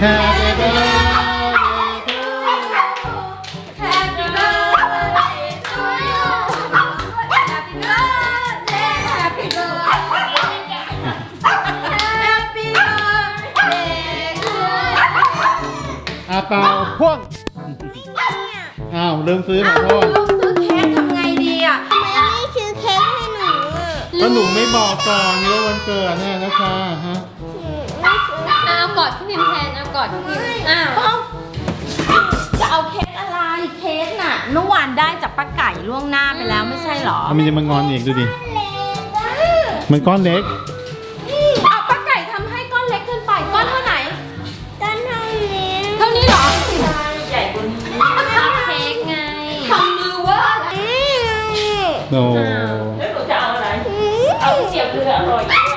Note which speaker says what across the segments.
Speaker 1: Happy birthday to
Speaker 2: Happy birthday to you Happy birthday Happy birthday Happy birthday to you
Speaker 1: อาเปาพ่วงอ้าวลืมซื้อขอโทษ
Speaker 2: ลูกซื้อเค้กทำไงดีอ่ะ
Speaker 3: ทำไมไม่ซื้อเค้กให้หนูอ่ะ
Speaker 1: ก็หนูไม่บอกก่อนนี่ว่าวันเกิดแน่นะคะฮะ
Speaker 3: ไม่ซื้อ
Speaker 4: เอากอดพี่พิมแทนเอากอดพี่พิมอ้าว
Speaker 2: จะเอาเค้กอะไรเค้กน่ะเมื่อวานได้จากป้าไก่ล่วงหน้าไปแล้วไม่ใช่เหรอ
Speaker 1: มันจะมางอนอีกดูดิ
Speaker 3: เล็กอ่ะ
Speaker 1: มันก้อนเล็ก
Speaker 2: เอาป้าไก่ทำให้ก้อนเล็กเกินไปก้อนเท่าไหน
Speaker 3: ต้นเท่านี้
Speaker 2: เท่านี้เหรอ
Speaker 4: เค้กไง
Speaker 2: ทำมือว่า
Speaker 1: โอ้
Speaker 5: แล้วหนูจะเอาอะไร เอาเสียบเรืออร่อย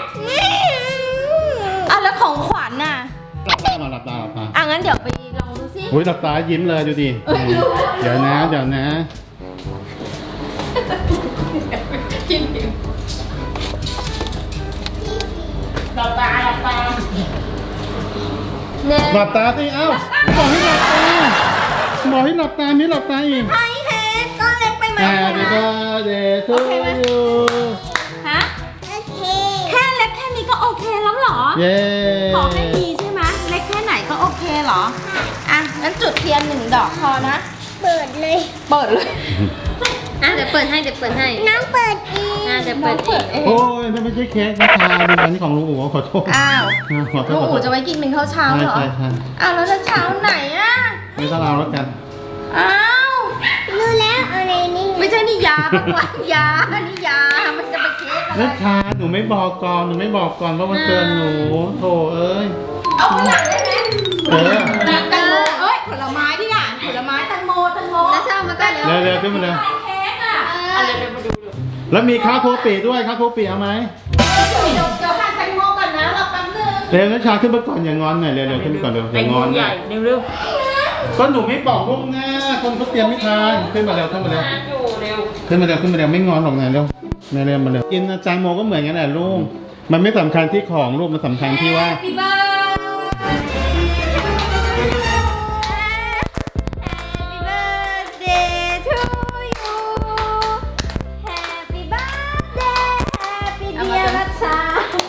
Speaker 2: อ่ะแล้วของขวัญน่ะ
Speaker 1: หลับตามาหลับตาหลับตา
Speaker 2: อ่ะงั้นเดี๋ยวไปลองดูสิ
Speaker 1: อุ้ยหลับตายิ้มเลยดูดิเดี๋ยวนะเดี๋ยวนะ
Speaker 5: หลับตาหลับตา
Speaker 4: เน่
Speaker 1: หลับตาสิเอ้าบอกให้หลับตาบอกให้หลับตาไม่หลับตาอีก
Speaker 2: ให้เค้กก้อนเล็กไปไหม
Speaker 1: Happy birthday to you
Speaker 2: ฮะ
Speaker 3: โอเค
Speaker 2: แค่เล็กแค่นี้ก็โอเคแล้วเหรอ
Speaker 1: เย้
Speaker 2: ขอให้ดีใช่ไหมเล็กแค่ไหนก็โอเคเหรอ อ่ะ งั้นจุดเทียน1 ดอกพอนะ
Speaker 3: เปิดเลย
Speaker 2: เปิดเลย
Speaker 4: อ่ะเดี๋ยวเปิดให้เดี๋ยวเปิดให้
Speaker 3: น้องเปิดเอง
Speaker 4: อ่ะเดี๋ยวเปิดเอง
Speaker 1: โอ้ยถ้าไม่ใช่เค้กนะคะดูอันนี้ของลุงอู๋ขอโทษ
Speaker 2: อ้าว
Speaker 1: ขอโท
Speaker 2: ลุ
Speaker 1: ษ
Speaker 2: ง
Speaker 1: ขอโท
Speaker 2: อู๋
Speaker 1: ษ
Speaker 2: จะไว้กินเป็นข้าวเช้า
Speaker 1: ใช่
Speaker 2: เหรอ
Speaker 1: ใช่ใช่
Speaker 2: อ้าวแล้วจะเช้าไหนอ่ะ
Speaker 1: ไม่ต้องเอาแล้วกัน
Speaker 2: อ้าว
Speaker 3: รู้แล้วเอาอะไรนี่
Speaker 2: ไม่ใช่นี่ยาปะวะยานี่ยา มันจะไปเค้กอะไร
Speaker 1: นัชชาหนูไม่บอกก่อนหนูไม่บอกก่อนว่าวันเกิดหนูโถเอ้ย
Speaker 2: เอาข้างหลังได้ไหม
Speaker 1: เออ
Speaker 2: แตงโมเอ้ย ผลไม้ดิอ่ะผลไม้แตงโม
Speaker 4: แล้วเช้ามาก็เดี๋ยว
Speaker 1: เร็วๆขึ้นมาเลย
Speaker 2: เค้กอ่ะ
Speaker 5: อะไรเดี๋ยวมาดูดู
Speaker 1: แล้วมีข้าวโพดปีด้วยข้าวโพดปีเอาไหม
Speaker 2: เดี๋ยวหั่นแตงโมก่อนนะรอแป๊บนึง
Speaker 1: เร็วนัชชาขึ้นมาก่อนอย่างอนหน่อยเร็วๆขึ้นมาก่อนเร็วอย่างอน
Speaker 5: ใหญ่เร็ว
Speaker 1: ก็หนูไม่บอกล่วงหน้าคนเขาเตรียมไม่ทันขึ้นมาเร็วขึ้นมาเร็ว
Speaker 5: ๆอยู่เร็ว
Speaker 1: ขึ้นมาเร็วขึ้นมาเร็วไม่งอนหรอกนะเร็วเร็วมาเร็วกินแตงโมก็เหมือนกันแหละลูกมันไม่สำคัญที่ของลูกมันสำคัญที่ว่า
Speaker 2: Happy birthday to you Happy birthday Happy dear นัชชา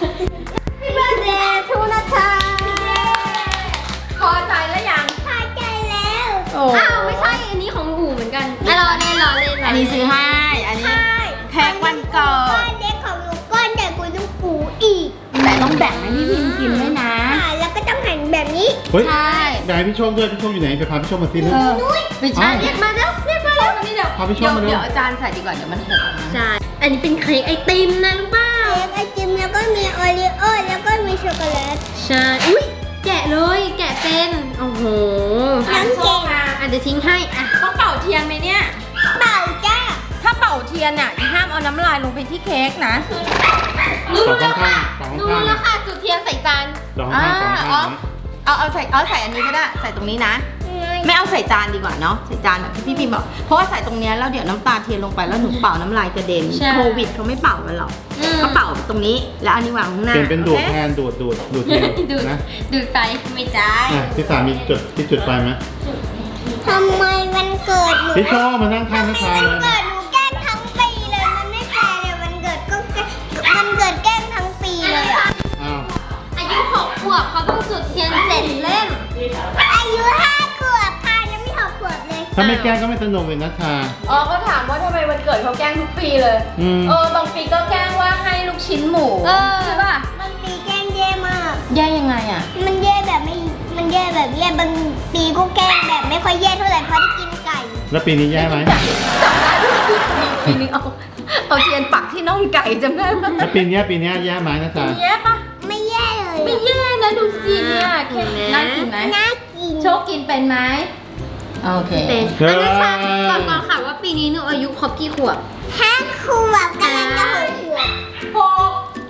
Speaker 2: Happy birthday to นัชชาพอใจแล้วยัง
Speaker 3: พอใจแล้ว
Speaker 2: โอ้
Speaker 4: อ้าวไม่ใช่อันนี้ของอู๋เหมือนกันอ่ะรอเล่นรอเล่น
Speaker 2: อันนี้ซื้อให้ อันนี้แพ็กวันเกิ
Speaker 3: ก้อ
Speaker 2: ด
Speaker 3: นเล็กของหนูก้อนใหญ่กว่าลูกปูอีก
Speaker 2: แต่ต้องแบ่งให้พี่พิมกินด้วยนะ
Speaker 3: แล้วก็ต้องหั่นแบบนี้
Speaker 1: เฮ้ย
Speaker 2: ใช่
Speaker 1: ได้พี่โชคด้วยพี่โชคอยู่ไหนไปพาพี่โชคมาซิลูก
Speaker 2: ไม่ใช่เรียกมาแล้วเรียกมาแล้วมานี่เดี๋ยว
Speaker 1: พาพี่ชมมาดู
Speaker 2: เดี๋ยวอาจารย์ใส่ดีกว่าเดี๋ยวมันหกนะ
Speaker 4: ใช่ อันนี้เป็นเค้กไอติมนะรู้เปล่า
Speaker 3: เค้กไอติมแล้วก็มีโอรีโอแล้วก็มีช็อกโกแลต
Speaker 4: ใช่ อุ้ยแกะเลยแกะเป็น โอ้โห
Speaker 2: น้ำโชคมา
Speaker 4: อ่ะเดี๋ยวทิ้งให้อ่ะ
Speaker 2: ต้องเป่าเทียนไหมเนี่ย
Speaker 3: เปล่าจ้า
Speaker 2: ถ้าเป่าเทียนเนี่ยห้ามเอาน้ำลายลงไปที่เค้กนะ
Speaker 1: สองข้างๆสอง
Speaker 4: รู้
Speaker 1: ข้าง
Speaker 4: แล้วค่ะจุดเทียนใส่จาน
Speaker 1: สองข้างสองข้าง
Speaker 2: เอาใส่อันนี้ก็ได้ ใส่ตรงนี้นะ ไม่เอาใส่จานดีกว่าเนาะ ใส่จานแบบที่พี่พิมบอก เพราะว่าใส่ตรงเนี้ยแล้วเดี๋ยวน้ำตาเทียนลงไปแล้วหนูเป่าน้ำลายกระเด็น โควิดเขาไม่เป่ากันหรอก
Speaker 4: อืม
Speaker 2: เขาเป่าตรงนี้ แล้วอันนี้วางข้างหน้า
Speaker 1: เปลี่ยนเป็นดูด
Speaker 2: โอ
Speaker 1: แท
Speaker 2: เคน
Speaker 1: ดูดเทียน
Speaker 4: ดูด
Speaker 1: นะ
Speaker 4: ดูดไปไม่จ่าย
Speaker 1: อ่ะพี่สามีจุดไฟไหม
Speaker 3: ทำไมวันเกิดหนู
Speaker 1: พี่โชคมานั่งข้างนัชชา
Speaker 3: วัน
Speaker 1: เลย
Speaker 3: เกิดหนูแกล้งทั้งปีเลยมันไม่แฟร์เลยวันเกิดก็วันเกิดแกล้งทั้งปีเลยอ่ะ
Speaker 1: อ้าว
Speaker 4: อายุ6 ขวบเขาต้องจุดเทียน7 เล่ม
Speaker 3: อายุ5 ขวบค่ะยังไม่6 ขวบเลย
Speaker 1: ถ้าไม่แกล้งก็ไม่สนุกเลยนัชชา
Speaker 2: อ๋อก็ถามว่าทำไมวันเกิดเขาแกล้งทุกปีเลย
Speaker 1: อืม
Speaker 2: บางปีก็แกล้งว่าให้ลูกชิ้นหมู
Speaker 4: เออ
Speaker 2: ใช่ป่ะ
Speaker 3: บางปีแกล้งแย่มาก
Speaker 2: แย่ยังไงอ่ะ
Speaker 3: มันแย่แบบไม่ มันแย่แบบแย่บางปีก็แกล้งแบบไม่ค่อยแย่เท่าไหร่เพราะได้กินไก่
Speaker 1: แล้วปีนี้แย่ไหม
Speaker 2: จำได้ด้วยปีนึงเอาเทียนปักที่น่องไก่จำได้ปะ
Speaker 1: แล้วปีนี้แย่ไหมนัชชา
Speaker 2: แย่ปะ
Speaker 3: ไม่แย่เลย
Speaker 2: ไม่แย่นะดูสิเนี่ยเค้กน่ากินไหม
Speaker 3: น่ากิน
Speaker 2: โชคกินเป็นไหมโอเค
Speaker 4: เป็นอันนั้นค่ะก่อนค่ะว่าปีนี้หนูอายุครบกี่ขวบ
Speaker 3: 5 ขวบกำลังจะ6 ขวบ
Speaker 2: หก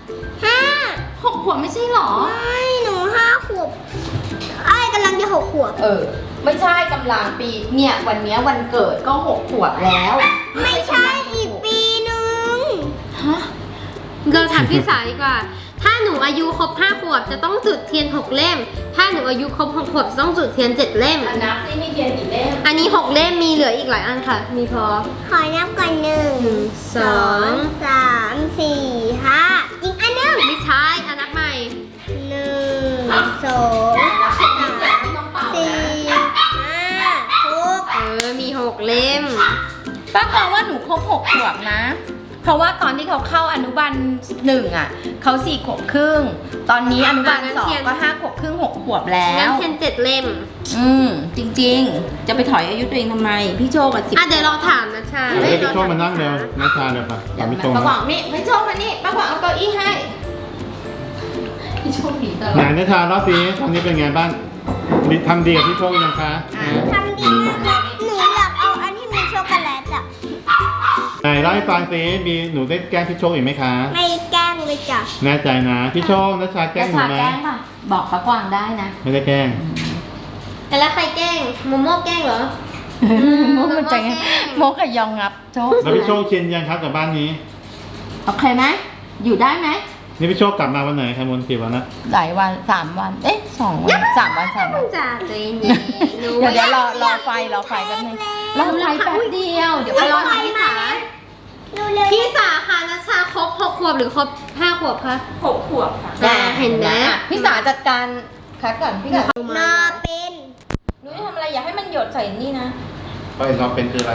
Speaker 3: 5
Speaker 2: 6 ขวบไม่ใช่หรอ
Speaker 3: ไม่หนู5 ขวบไอ้กำลังจะ6 ขวบ
Speaker 2: ไม่ใช่กำลังปีเนี่ยวันเนี้ยวันเกิดก็6 ขวบแล้ว
Speaker 3: ไม่ใช่อีกปีนึง
Speaker 2: ฮะ
Speaker 4: เราถามพี่สาวดีกว่า ถ้าหนูอายุครบ5 ขวบจะต้องจุดเทียน6 เล่ม ถ้าหนูอายุครบ6 ขวบจะต้องจุดเทียน7 เล่ม
Speaker 2: นับซิมีเทียนกี่เล่ม
Speaker 4: อันนี้6 เล่มมีเหลืออีกหลายอันค่ะ มีพอ
Speaker 3: ขอนับก่อน1 2 3 4 5อีกอันหนึง
Speaker 4: ไม่ใช่อันนับใหม่
Speaker 3: 1 2 3 4 5 6
Speaker 4: มี6 เล่ม
Speaker 2: ป้าบอกว่าหนูครบ6 ขวบนะ เพราะว่าตอนที่เขาเข้าอนุบาล1อ่ะเขา4 ขวบครึ่ง ตอนนี้อนุบาล
Speaker 4: งั้นเทียน
Speaker 2: 2ก็5 ขวบครึ่ง6 ขวบแล้
Speaker 4: งั้น
Speaker 2: ว
Speaker 4: เทียน7 เล่ม
Speaker 2: จริงๆ จะไปถอยอายุตัวเองทำไม พี่โชคกับ10
Speaker 4: อ่ะเดี๋ยวเราถามนะชา
Speaker 1: เดี๋ยวพี่โชคมานั่งเร็วนัชชาเดี๋ยวป่ะ
Speaker 2: เดี๋ยว
Speaker 1: พี่โชค
Speaker 2: ป้าบอกนี่พี่โชคมานี่ป้าบอกเอาเก้าอี้ให้ พี่โชคหนีตลอ
Speaker 1: ไหน
Speaker 2: ด
Speaker 1: นัชชาเล่าสิตอนนี้เป็นไงบ้างทำดีกับพี่โชคยังคะ
Speaker 3: ทำดีมากเลยหนูอยากเอาอันที่มีช็อกโกแลตอ่ะ
Speaker 1: ไหนเล่าให้ฟังสิมีหนูได้แกล้งพี่โชคอีกไหมคะ
Speaker 3: ไม่แกล้งเลยจ้ะ
Speaker 1: แน่ใจนะพี่โชคนัชชาแกล้งหนูไหม
Speaker 2: แกล้งป่ะบอกป้ากวางได้นะ
Speaker 1: ไม่ได้แกล้ง
Speaker 4: แต่แล้วใครแกล้งโมโม่แกล้งเหรอ
Speaker 2: โมกมันจะไงโมกกับยองงับโชค
Speaker 1: แล้วพี่โชคชินยังครับกับบ้านนี้
Speaker 2: โอเคไหมอยู่ได้ไหม
Speaker 1: นี่พี่โชคกลับมาวันไหนครับมนกี่วันนะ
Speaker 2: หลายวัน3 วัน เอ๊ะ2 วัน3 วัน 3 วัน
Speaker 4: จ้าใจเย็นๆหนู
Speaker 2: เดี๋ยวรอไฟแป๊บนึงรอไฟแป๊บเดียวเดี๋ยว
Speaker 4: ไป
Speaker 2: ไป
Speaker 4: ร
Speaker 2: ร
Speaker 4: อ
Speaker 2: อ
Speaker 4: พี่สา
Speaker 3: เร็วๆ
Speaker 4: พี่สาค่ะนัชชาครบ6 ขวบหรือครบ5 ขวบคะ
Speaker 5: 6 ขวบค่ะ
Speaker 4: เห็นไหม
Speaker 2: พี่สาจัดการคัดก่อนพี่กัด
Speaker 3: มาเป็น
Speaker 2: หนูจะทำอะไรอย่าให้มันหยดใส่นี่นะ
Speaker 1: ไปเราเป็นคืออะไร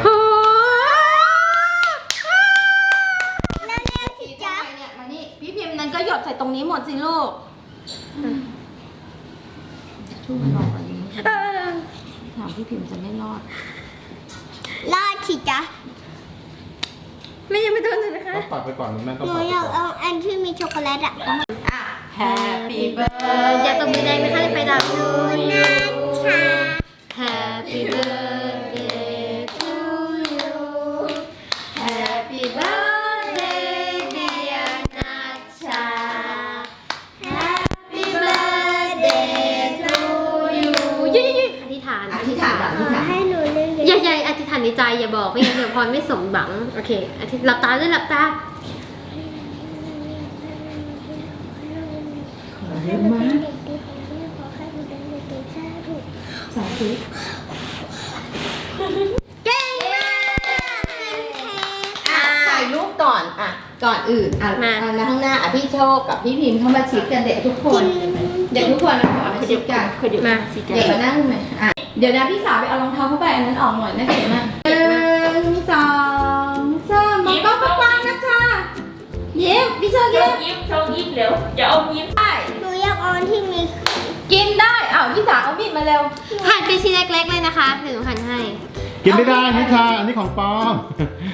Speaker 3: เร็วๆสิจ๊ะ
Speaker 2: เนี่ยมานี่พี่พิมพ์นั้นก็หยดใส่ตรงนี้หมดสิลูกช่วยมันรออันนี้ถามพี่พิมพ์จะไม่รอด
Speaker 3: รอดสิจ๊ะ
Speaker 4: ไม่ยังไม่โดนเลยนะคะ
Speaker 1: ก็ปัดไปก่อนแม่ก็
Speaker 3: หนู
Speaker 1: ปัดไป
Speaker 3: อยาก
Speaker 1: ก่อน
Speaker 3: เอาอันที่มีช็อกโกแลตอ่ะ
Speaker 2: อ่ะ Happy birthday
Speaker 4: อย่าตบมือแดงนะคะในไฟดับ
Speaker 3: นัชชา
Speaker 4: Happy birthday to you Happy birthday dear นัชชา Happy birthday to you ยืดอธิษฐาน
Speaker 2: อธิษฐานอธิษฐาน
Speaker 3: ให้หนูเล่น
Speaker 4: อย่าอธิษฐานในใจอย่าบอกไม่งั้นเดี๋ยวพรไม่สมหวังโอเคอธิษหลับตาด้วยหลับตา
Speaker 2: เยอะมากสาธุ
Speaker 4: เก่งมาก
Speaker 2: อ่ะถ่ายรูปก่อนอ่ะก่อนอื่นอ่ะ
Speaker 4: มา
Speaker 2: มาข้างหน้าอ่ะพี่โชคกับพี่พิมพ์เข้ามาชิดกันเด็กทุกคน เด็กทุกคนนะขอมาชิดกัน
Speaker 4: มา
Speaker 2: เด็กมานั่งไหมอ่ะเดี๋ยวนะพี่สาวไปเอารองเท้าผ้าใบอันนั้นออกหน่อยนะเก๋มาก1 2 3มองกล้องกว้างๆนะจ๊ะยิ้มพี่โชค
Speaker 5: โช
Speaker 2: ยิ้ม
Speaker 5: คยิ้มโชคยิ้มเร็วอย่าเอายิ้ม
Speaker 2: ได้
Speaker 3: หนูอยากเอาอันที่มี
Speaker 2: กินได้อ้าวพี่สาวเอามีดมาเร็ว
Speaker 4: หั่นเป็นชิ้นเล็กๆเลยนะคะเดี๋ยวหนูหั่นให้
Speaker 1: กินไม่ได้นิชาอันนี้ของปลอม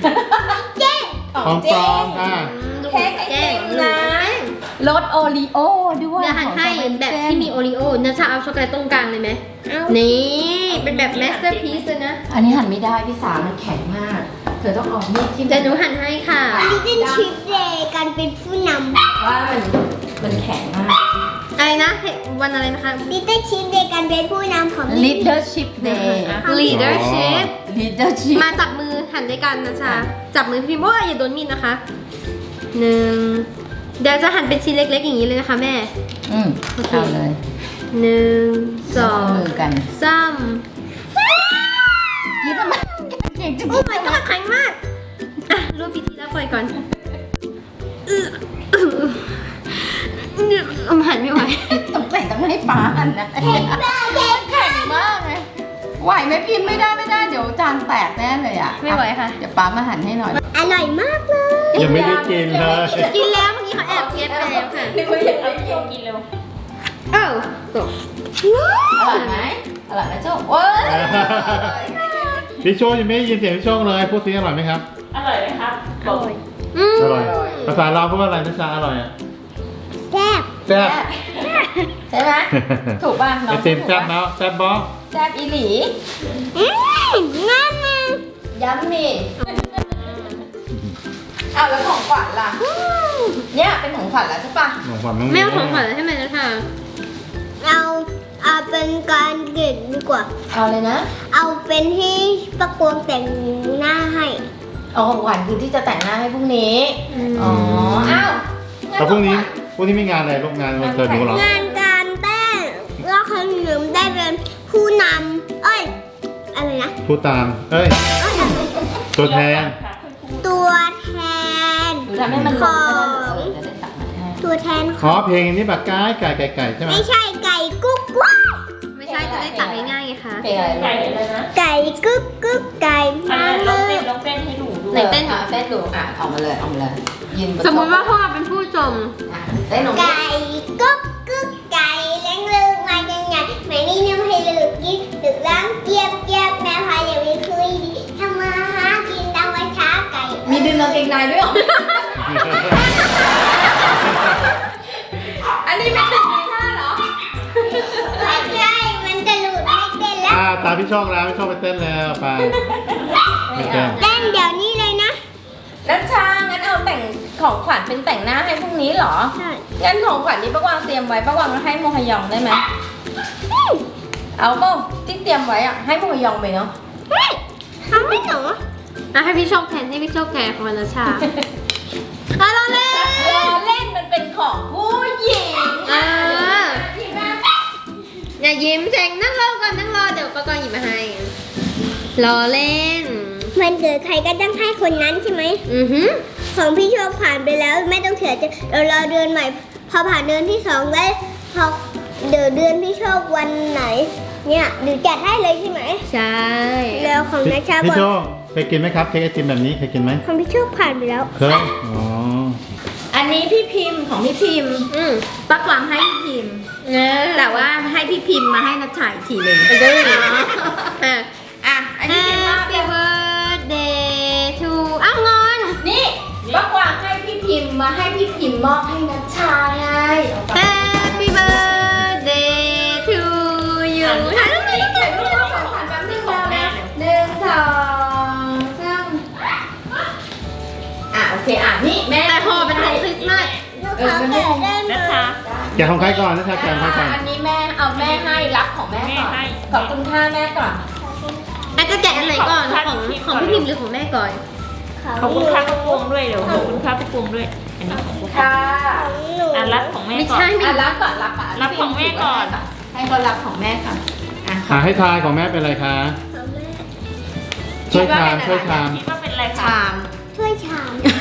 Speaker 1: ของปลอมค่ะ
Speaker 2: เค้กไอติมนะรสโอรีโอด้วย
Speaker 4: เดี๋ยวหั่นให้แบบที่มีโอรีโอนะชาเอาช็อกโกแลตตรงกลางเลยไหมนี่เป็นแบบแมสเตอร์พีซเลยนะ
Speaker 2: อันนี้หั่นไม่ได้พี่สาวมันแข็งมาก เธอต้องเอามีดที่
Speaker 4: เดี๋ยวหนูหั่นให้ค่ะ
Speaker 3: ลิตเติ้ลชิปเดย์การเป็นผู้น
Speaker 2: ว่ามันแข็งมาก
Speaker 4: อะไรนะวันอะไรนะคะ
Speaker 3: ำลิตเติ้ลชิปเดย์การเป็นผู้นำของ
Speaker 2: Leadership Day
Speaker 4: leadership
Speaker 2: Leadership
Speaker 4: มาจับมือหั่นด้วยกันนะชาจับมือพี่พิมพ์ว่าอย่าโดนมีดนะคะ1เดี๋ยวจะหั่นเป็นชิ้นเล็กๆอย่างนี้เลยนะคะแม่
Speaker 2: เอาเลย
Speaker 4: 1
Speaker 2: เอามือ
Speaker 4: 2
Speaker 2: กัน
Speaker 4: 3
Speaker 2: ยิ้มทำไมเก่งจัง
Speaker 4: โอ้ my god แข็งมากอ่ะร่วมพิธีรับไฟก่อนหั่นไม่ไหว
Speaker 2: ต้องใส่ต้องให้ป้าหั่นนะแข็งมากเลยไหวไหมพิมพ์ไม่ได้เดี๋ยวจานแตกแน่เลยอ่ะ
Speaker 4: ไม่ไหวค่ะ
Speaker 2: เดี๋ยวป้ามาหั่นให้หน่อย
Speaker 3: อร่อยมากเลย
Speaker 1: ยังไม่ได้กินเลย
Speaker 4: กินแล้วเมื่อกี้เขาแอบเก็บไปแล้วค่ะ
Speaker 5: นึกว่าอยากเอาโชคกินเร็ว
Speaker 4: เอ้าตก
Speaker 2: อร่อยไหมอร่อยไหมโจ้โอ้ย
Speaker 1: พี่โชคยังไม่ได้ยินเสียงพี่โชคเลยพูดสิอร่อยไหมครับ
Speaker 5: อร่อยไหมครับบอก
Speaker 1: อร่อย ภาษาลาวพูดว่าอะไรนะชาอร่อยอ่ะ
Speaker 3: แซ่บ
Speaker 1: แซ่บ
Speaker 2: ใช่ไหมถูกป่ะ
Speaker 1: ไอติมแซ่บแล้วแซ่บบอ
Speaker 2: แซ่บอีหลี
Speaker 3: งั้นนะ
Speaker 2: ยัมมี่อ้าวแล้วของขวัญล่ะ เนี่ยเป็นของขวัญแล้วใช่ปะ
Speaker 1: ของขวัญน้อง
Speaker 4: แม่เอาของขวัญให้ไหมนะค่ะ
Speaker 3: เอาเป็นการเก็บดีกว่า
Speaker 2: เอาเลยนะ
Speaker 3: เอาเป็นที่ประกวงแต่งหน้าให้
Speaker 2: เอาของขวัญคือที่จะแต่งหน้าให้พรุ่งนี้ อ๋อ อ้าว
Speaker 1: แล้วพรุ่งนี้พวกนี้ไม่งานอะไรลูกงานวันเกิดหนูเหรอ
Speaker 3: งานการเต้นแล้วคนหนึ่งได้เป็นผู้นำอะไรนะ
Speaker 1: พูดตาม เอ้ย ตัวแทน
Speaker 3: ตัวแทน
Speaker 2: หนูทำให้มันลงจะได้ตัดมันให้
Speaker 3: ตัวแทนข
Speaker 1: อ๋
Speaker 3: อ
Speaker 1: อง เพลงนี้แบบไก่ใช่ไหม
Speaker 3: ไม่ใช่ไก่กุ๊กกุ๊ก
Speaker 4: ไม่ใช่จะได้ตักง่ายๆไงคะ
Speaker 2: เพลงอะไร
Speaker 5: ไก่อะไรนะ
Speaker 3: ไก่กุ๊กกุ๊กไก่
Speaker 5: อัน
Speaker 3: มา
Speaker 5: นั้น
Speaker 3: เล
Speaker 5: ลองเต้
Speaker 3: ย
Speaker 5: นให้หนูดู
Speaker 4: ไหนเต้น
Speaker 2: เต้นดูอ่ะออกมาเลยยืนบน
Speaker 4: สมมติว่าพวกเราเป็นผู้ชม
Speaker 2: อ่ะเต้นตรงนี้
Speaker 3: ไก่กุ๊กกุ๊กไก่เลี้ยงลูกมายังไงแม่นี่น้ำให้ลูกกินดึกล้างเจี๊ยบแม่พายอย่าไปคุยดีทำมาหากินตามวัยช้าไก่
Speaker 2: มีดึงกางเกงในด้วยเหรอ อันนี้ไม่ถึงมีท่าเหรอ
Speaker 3: ไม่ใช่มันจะหลุดไม่เต้นแล้ว
Speaker 1: ตาพี่โชคแล้วพี่โชคไปเต้นแล้วไปไม่เต้น
Speaker 3: เต้นเดี๋ยวนี้เลยนะ
Speaker 2: นัชชางั้นเอาแต่งของขวัญเป็นแต่งหน้าให้พรุ่งนี้เหรอ
Speaker 3: ใช่
Speaker 2: งั้นของขวัญนี้ป้ากวางเตรียมไว้ป้ากวางให้โมฮยองได้ไหมเอาเปล่าที่เตรียมไว้อะให้โมฮยองไปเนาะ
Speaker 3: เฮ้ยทำไม่หนู
Speaker 4: อ่ะให้พี่โชคแทนให้พี่โชคแทนของวรรณชาอ่ะเราเล่น
Speaker 2: รอเล่นมันเป็นของผู้หญิง
Speaker 4: อย่ายิ้มเจงนั่งรอก่อนนั่งรอเดี๋ยวก็หยิบมาให้รอเล่น
Speaker 3: มันเกิดใครก็ต้องให้คนนั้นใช่ไหม
Speaker 4: อือหือ
Speaker 3: ของพี่โชคผ่านไปแล้วไม่ต้องเสียใจเรารอเดือนใหม่ พอผ่านเดือนที่2แล้วพอเดี๋ยวเดือนพี่โชควันไหน เนี่ยเดี๋ยวจัดให้เลยใช่ไหม
Speaker 4: ใช่
Speaker 3: แล้วของนัชชาบ
Speaker 1: พี่
Speaker 3: อก
Speaker 1: โชคเคยกินไหมครับเค้กไอติมแบบนี้เคยกินไหม
Speaker 3: ของพี่โชคผ่านไปแล้ว
Speaker 1: เคยอ๋อ
Speaker 2: อันนี้พี่พิมพ์ของพี่พิมพ์
Speaker 4: อืม
Speaker 2: ป้ากวางให้พี่พิมพ์
Speaker 4: นะ
Speaker 2: แต่ว่าให้พี่พิมพ์มาให้นัชชาอีกทีหนึ่ง
Speaker 4: ไปเลยอ่ะ
Speaker 2: อ่ะอันนี้พิมพ์ว่า
Speaker 4: Happy birthday to อ้าวงอน
Speaker 2: นี่ป้ากวางให้พี่พิมพ์มาให้พี่พิมพ์มอบให้นัชชาไง
Speaker 4: Happy birthday to you ถ่ายรูปหน่อยถ่ายรูปหน่อย
Speaker 2: ของขวัญแป๊บนึงนะหนึ่งสองสามอ่ะโอเคอ่ะนี่แม่
Speaker 4: แต่พอเป็นของคริสต์มาส
Speaker 3: ลูกค้าเกิดได้ไหม
Speaker 5: นะคะ
Speaker 1: แกะของใครก่อนนะชาแกะของใครก่อน
Speaker 2: อันนี้แม่เอาแม่ให้รับของแม่ก่อนขอบคุณค่าแม่ก่อน
Speaker 4: แม่จะแกะอันไหนก่อนของพี่พิมพ์หรือของแม่ก่อน
Speaker 5: ขอบคุณค่าพระปวงด้วยเดี๋ยวขอบคุณค่าพระปวงด้วย อันนี้ของพระปวง
Speaker 2: ค่ะ
Speaker 3: ของหนู
Speaker 5: อ่ะรับของแม่
Speaker 4: ไม่
Speaker 5: ก่อน
Speaker 4: ใช่ไม่
Speaker 2: อ่ะรับก่อนรับ
Speaker 5: รับของแม่ก่อน
Speaker 2: ให้เขารับของแม่ค่ะอ่ะ
Speaker 1: ให้ทายของแม่เป็นอะไรคะ
Speaker 3: ของแม่
Speaker 1: ช่วยชามช่วยชาม
Speaker 5: คิดว่าเป็นอะไรคะ
Speaker 2: ชาม
Speaker 3: ถ้วยชาม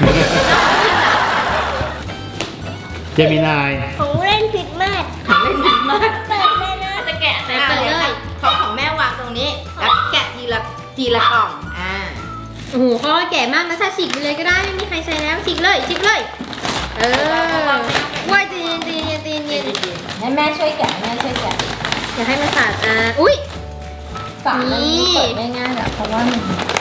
Speaker 1: เจมินาย
Speaker 3: ของเล่นผิดมาก
Speaker 2: ของเล่นดีมาก
Speaker 3: เปิดเลยนะ
Speaker 5: จะแกะไหน
Speaker 2: อ่ะ
Speaker 5: ก่อน
Speaker 2: เลยค่ะของแม่วางตรงนี้แล้วแกะทีละกล่องอ่า
Speaker 4: โอ้โหเขาแก่มากนะชาฉีกไปเลยก็ได้ไม่มีใครใช้แล้วฉีกเลยฉีกเลย เออว่ายตีนตีนตีนตีน
Speaker 2: ให้แม่ช่วยแกะแม่ช่วยแกะ
Speaker 4: อย่าให้มันขาดอุ้ย
Speaker 2: ฝามันเปิดไม่ง่ายหรอกเพราะว่ามัน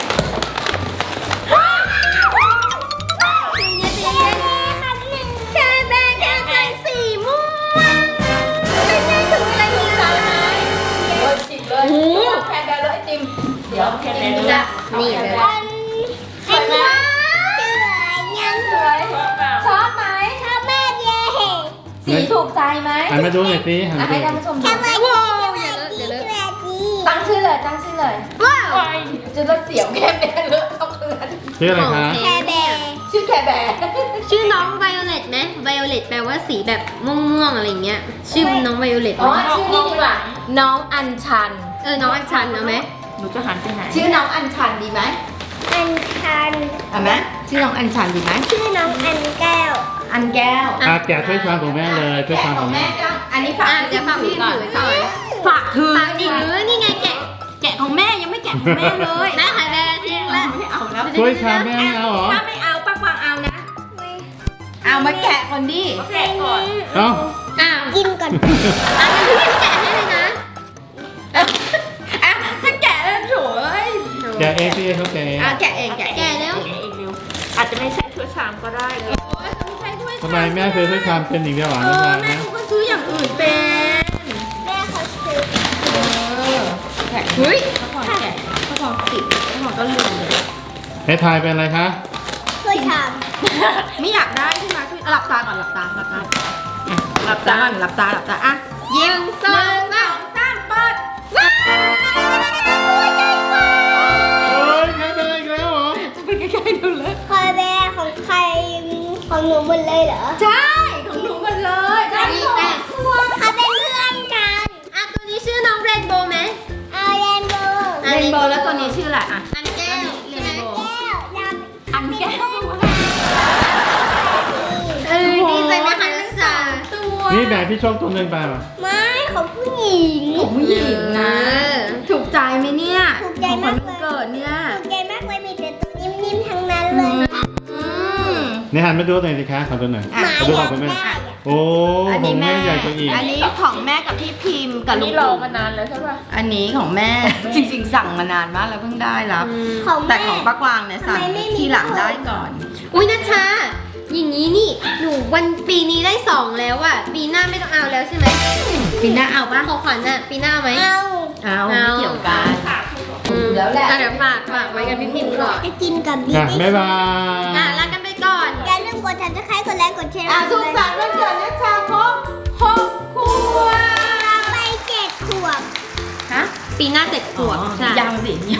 Speaker 4: แค่แบงแค่ใจสีม่วงเป็นไงถึงอะไรมีอะไรไหม
Speaker 2: โอ้ยจิบเลย
Speaker 4: โอ้โห
Speaker 2: แพนเดอร์เลยไอติมเดี๋ยว
Speaker 5: แค่ไหน
Speaker 2: จิ
Speaker 5: ดู
Speaker 2: ม
Speaker 5: นะ
Speaker 4: นี่เลย
Speaker 2: สวยไหม
Speaker 3: ยัง
Speaker 2: สวย
Speaker 5: ชอบเปล่า
Speaker 2: ชอบไหม
Speaker 3: ชอบมากเย่
Speaker 2: สีถูกใจไหม
Speaker 1: หันมาดูหน่อยสิหัน
Speaker 2: อ่ะ
Speaker 1: มา
Speaker 2: ให้
Speaker 1: ดู
Speaker 2: ท่านผู้ชมดู
Speaker 3: ชอบมาก
Speaker 4: ว้าว
Speaker 3: ส
Speaker 4: อย่า
Speaker 3: วัส
Speaker 4: เลอะ
Speaker 3: ดี
Speaker 4: อย่าเลอะ
Speaker 3: สวัสดี
Speaker 2: ตั้งชื่อเลยตั้งชื่อเลย
Speaker 4: ว้าว
Speaker 5: โอ้ย
Speaker 2: จะรถเสียวแค่แม่เลอะช็อกโกแลต
Speaker 1: ชื่ออะไรคะ
Speaker 3: แคร์แบร์
Speaker 2: ชื่อแคร์แบร์
Speaker 4: ชื่อน้องไวโอเลตไหมไวโอเลตแปลว่าสีแบบม่วงๆอะไรเงี้ยชื่อน้องไวโอเลต
Speaker 2: อ๋อชื่อนี่ดีกว่าน้องอัญชัน
Speaker 4: น้องอัญชันเอาไหม
Speaker 5: หนูจะหันไปไหน
Speaker 2: ชื่อน้องอัญชันดีไหม
Speaker 3: อันชัน
Speaker 2: เอาไหมชื่อน้องอัญชันดีไหม
Speaker 3: ชื่อน้องอันแก้ว
Speaker 2: อันแก้ว
Speaker 1: แกะถ้วยชามของแม่เลยถ้วยชามของแม่
Speaker 2: ก็อันนี้ฝาก
Speaker 4: จะฝากพี่ถือก่อน
Speaker 2: ฝากถือ
Speaker 4: ฝากถือนี่ไงแกะ
Speaker 2: แกะของแม่ยังไม่แกะของแม่เลย
Speaker 4: แม่ขายแบรนด์ทิ้งแล้ว
Speaker 2: ไม่เอาแล้ว
Speaker 1: ถ้วยชามแม่ไม่เอาเหรอ
Speaker 2: ถ้าไม่เอาป้ากวางเอานะ เอามาแกะคนดิ
Speaker 5: แกะก่อน
Speaker 1: เอ้า
Speaker 4: อ้าว
Speaker 3: กินก่อน
Speaker 4: งั้นพี่พิมแกะให้เลยนะ
Speaker 2: อ่ะถ้าแกะแล้วโถ่เอ้ย
Speaker 1: แกะเองพี่เขาแกะเอง
Speaker 2: อ่ะแกะเองแกะเอง
Speaker 4: แกะแล้ว
Speaker 5: แกะเองเร็วอาจจะไม่ใช่ถ้วยชามก็ได้เลย
Speaker 2: โอ้ยต้องใช้ถ้วย
Speaker 1: ทำไมแม่เคยถ้วยชามเป็นอีกเดียวหรอ
Speaker 2: เอ
Speaker 1: นะ
Speaker 2: อ
Speaker 1: จ๊ะ
Speaker 2: แม่เขาก็ซื้ออย่างอื่นเป็น
Speaker 3: แม่เขาซื้อ
Speaker 2: แกะเฮ้ยข้าวพองแกะข้าวพองติดข้าวพองก็ลืมเลย
Speaker 1: ให้ทายเป็นอะไรคะ
Speaker 3: ถ้วยชาม
Speaker 2: ไม่อยากได้ใช่ไหมหลับตาก่อนหลับตาหลับตาอ่ะหลับตาก่อนหลับตาหลับตาอ่ะยิ้มสองสามเปิดว้าว
Speaker 1: เฮ้ยใครเป็นอีกแล้วเหรอ
Speaker 2: จะไปใกล้ๆดูเลย
Speaker 3: คอยแบร์ของใครของหนูหมดเลยเหรอ
Speaker 2: ใช่ของหนูหมดเล
Speaker 4: นโบว์ไหม
Speaker 3: เอาเรนโบว์
Speaker 2: เรนโบว์แล้วตัวนี้ชื่ออะไรอ่ะ
Speaker 4: อันแก้ว
Speaker 2: เร
Speaker 4: ใช่ไหม
Speaker 2: นโบว์
Speaker 3: แก้วดำ
Speaker 2: อันแก้ว
Speaker 4: ดีใจไหมคะนักศึกษา
Speaker 2: ตัว
Speaker 1: นี่แบ่งพี่โชคตัวหนึ่งไปป่ะ
Speaker 3: ไม่ของผู้หญิง
Speaker 2: ของผู้หญิงนะ
Speaker 4: เออ
Speaker 2: ถูกใจไหมเนี่ย
Speaker 3: ถูกใจมากเลย
Speaker 2: ของขวัญวันเกิดเนี่ย
Speaker 3: ถูกใจมากเลยมีแต่ตัวนิ่มๆทั้งนั้นเลย
Speaker 2: อืม
Speaker 1: นี่หันมาดูหน่อยสิคะขอดูหน่อย
Speaker 2: อ่ะ
Speaker 3: หมา
Speaker 1: ดู
Speaker 3: อ
Speaker 1: ข
Speaker 3: ยา
Speaker 1: อง
Speaker 3: ก
Speaker 1: คุณแม่
Speaker 3: ได้อะ
Speaker 1: โอ้ของแม่ใหญ่กว่าอีก
Speaker 2: อันนี้ของแม่กับพี่พิมพ์กับ
Speaker 5: อัน
Speaker 2: ลุง
Speaker 5: นี้รอ
Speaker 2: ปู่
Speaker 5: มานานแล้วใช่ป่ะ
Speaker 2: อันนี้ของแม่ จริงๆสั่งมานานมากแล้วเพิ่งได้รับ
Speaker 3: ของ
Speaker 2: แต่
Speaker 3: แม่
Speaker 2: ของป้ากวางเนี่ยสั่ง
Speaker 3: ทำไมไม่มี
Speaker 2: ทีหลังได้ก่อน
Speaker 4: อุ้ยนัชชาอย่างนี้นี่หนูวันปีนี้ได้2แล้วอะปีหน้าไม่ต้องเอาแล้วใช่ไหม
Speaker 2: ปีหน้าเอาปะ
Speaker 4: ของขวัญอะปีหน้าเอาไหม
Speaker 3: เอา
Speaker 2: เอาไม่เกี่ยวกัน แล้วแหละ
Speaker 4: เดี๋ยวฝากไว้กับพี่พิมพ์ก่อน
Speaker 3: จะกินกับบิ๊
Speaker 1: อ่ะ
Speaker 3: ก
Speaker 1: บ๊ายบาย
Speaker 4: ลากันไปก่อน
Speaker 3: อย่าลืมกดติดตามกดไลค์กดแชร์
Speaker 2: สุขสันต์วันเกิดนะชาครบ6 ขวบ
Speaker 3: ไป7 ขวบ
Speaker 2: ฮะ
Speaker 4: ปีหน้า7 ขวบใช่
Speaker 2: ยังสิ